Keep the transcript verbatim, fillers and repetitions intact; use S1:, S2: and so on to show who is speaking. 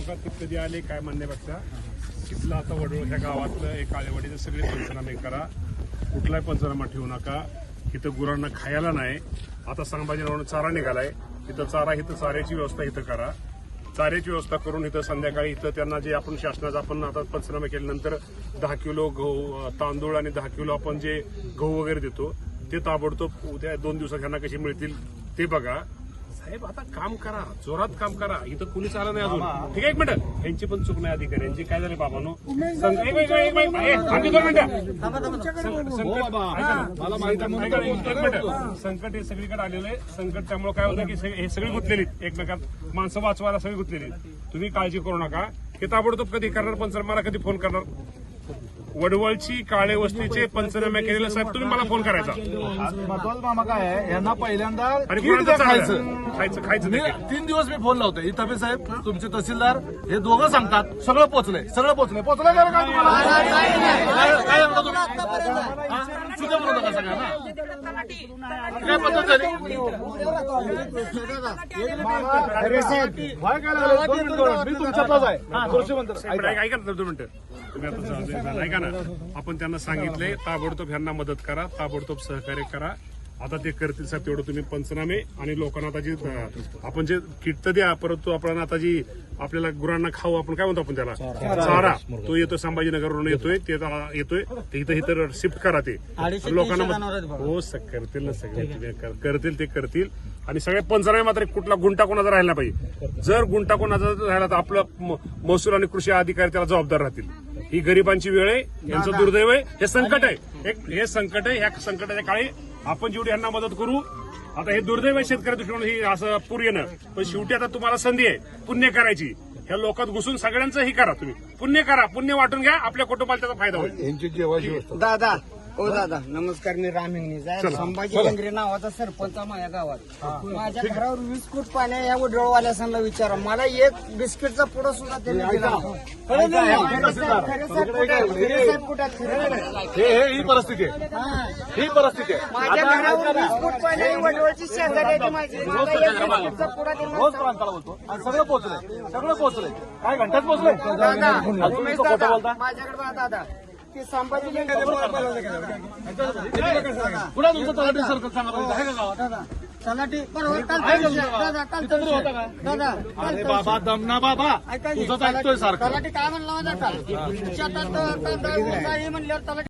S1: अपघात कधी आले काय म्हणण्यापेक्षा तिथलं आता वडवळ ह्या गावातलं एक काळेवाडीचं सगळे पंचनामे करा, कुठलाही पंचनामा ठेवू नका. इथं गुरांना खायला नाही. आता संभाजीनगरनं चारा निघालाय, इथं चारा इथं चाऱ्याची व्यवस्था इथं करा. चाऱ्याची व्यवस्था करून इथं संध्याकाळी इथं त्यांना जे आपण शासनाचा आपण आता पंचनामे केल्यानंतर दहा किलो गहू तांदूळ आणि दहा किलो आपण जे गहू वगैरे देतो ते ताबडतोब उद्या दोन दिवसात ह्यांना कसे मिळतील ते बघा. साहेब आता काम करा, जोरात काम करा. इथं कुणीच आलं नाही अजून. ठीक आहे, एक मिनिट. यांची पण चूक नाही अधिकाऱ्यांची. काय झाले बाबांनो, संकट हे सगळीकडे आलेलं आहे. संकट त्यामुळे काय होतं की हे सगळी गुंतलेली एकमेकात, माणसं वाचवायला सगळी गुंतलेली. तुम्ही काळजी करू नका. हे ताबडतोब कधी करणार पंचनामा, मला कधी फोन करणार. वडवळची काळे वस्तीचे पंचनामे केलेले साहेब तुम्ही मला फोन करायचा.
S2: महत्वाचं मामा काय आहे, यांना पहिल्यांदा
S1: खायचं
S2: खायचं
S1: खायचं
S2: तीन दिवस मी फोन लावतोय. इथं साहेब तुमचे तहसीलदार हे दोघं सांगतात सगळं पोचलंय, सगळं पोचलंय. पोचलंय का काय तुम्हाला? काय म्हणता तुम्ही? सुद्धा म्हणू नका सगळ्यांना. काय पद्धत झाली? मी तुमच्यातलाच आहे कृषी मंत्री.
S1: ऐका ना दोन मिनिटं. तुम्ही आता ऐका ना, आपण त्यांना सांगितलंय ताबडतोब ह्यांना मदत करा, ताबडतोब सहकार्य करा. आता ते करतील साहेब तेवढं तुम्ही पंचनामे. आणि लोकांना आता जी आपण जे किट तर द्या, परंतु आपण आता जी आपल्याला गुरांना खाऊ आपण काय म्हणतो आपण त्याला चारा, तो येतोय संभाजीनगरवरून येतोय, ते येतोय ते इथं इथं शिफ्ट करा. ते लोकांना हो करतील ना, सगळे करतील ते करतील. आणि सगळे पंचनामे मात्र कुठला गुंटा कोणाचा राहिला पाहिजे. जर गुंटा कोणाचा राहिला तर आपलं महसूल आणि कृषी अधिकारी त्याला जबाबदार राहतील. ही गरिबांची वेळ आहे, यांचं दुर्दैव आहे, हे संकट आहे. एक हे संकट आहे. ह्या संकटाच्या काळी आपण जेवढी यांना मदत करू. आता हे दुर्दैव आहे शेतकरी दृष्टीने ही असं पूर येणं, पण शेवटी आता तुम्हाला संधी आहे पुण्य करायची. ह्या लोकात घुसून सगळ्यांचं ही करा, तुम्ही पुण्य करा, पुण्य वाटून घ्या, आपल्या कुटुंबाला त्याचा फायदा होईल.
S3: दादा ओ दादा नमस्कार. मी राम हिंगणे, संभाजी केंद्रे नावाचा सरपंच माझ्या गावात. माझ्या घरावर वीस फूट पाणी या वडवळवाल्यासांना विचारा. मला एक बिस्किटचा पुडा सुद्धा त्यांनी दिला.
S2: ही परिस्थिती आहे, ही परिस्थिती आहे.
S3: माझ्या घरावर वीस फूट पाणी वडवळची शेजारी आहे माझी. बिस्किटचा पुडा
S2: रोज प्रांताला बोलतो आणि सगळं पोहोचलंय, सगळं पोहोचलंय. काय घंटाच पोहोचलंय.
S3: माझ्याकडे बघा दादा, की संभाजी
S2: पुन्हा तुमचं तलाठी सर्कल सांगा आहे का गावात?
S3: तलाठी बरोबर दादा काल दादा
S2: अरे बाबा दमना बाबा, तुझंच ऐकतोय सारखं.
S3: तलाठी काय म्हणला माझा काल शेतात म्हणल्यावर तलाठी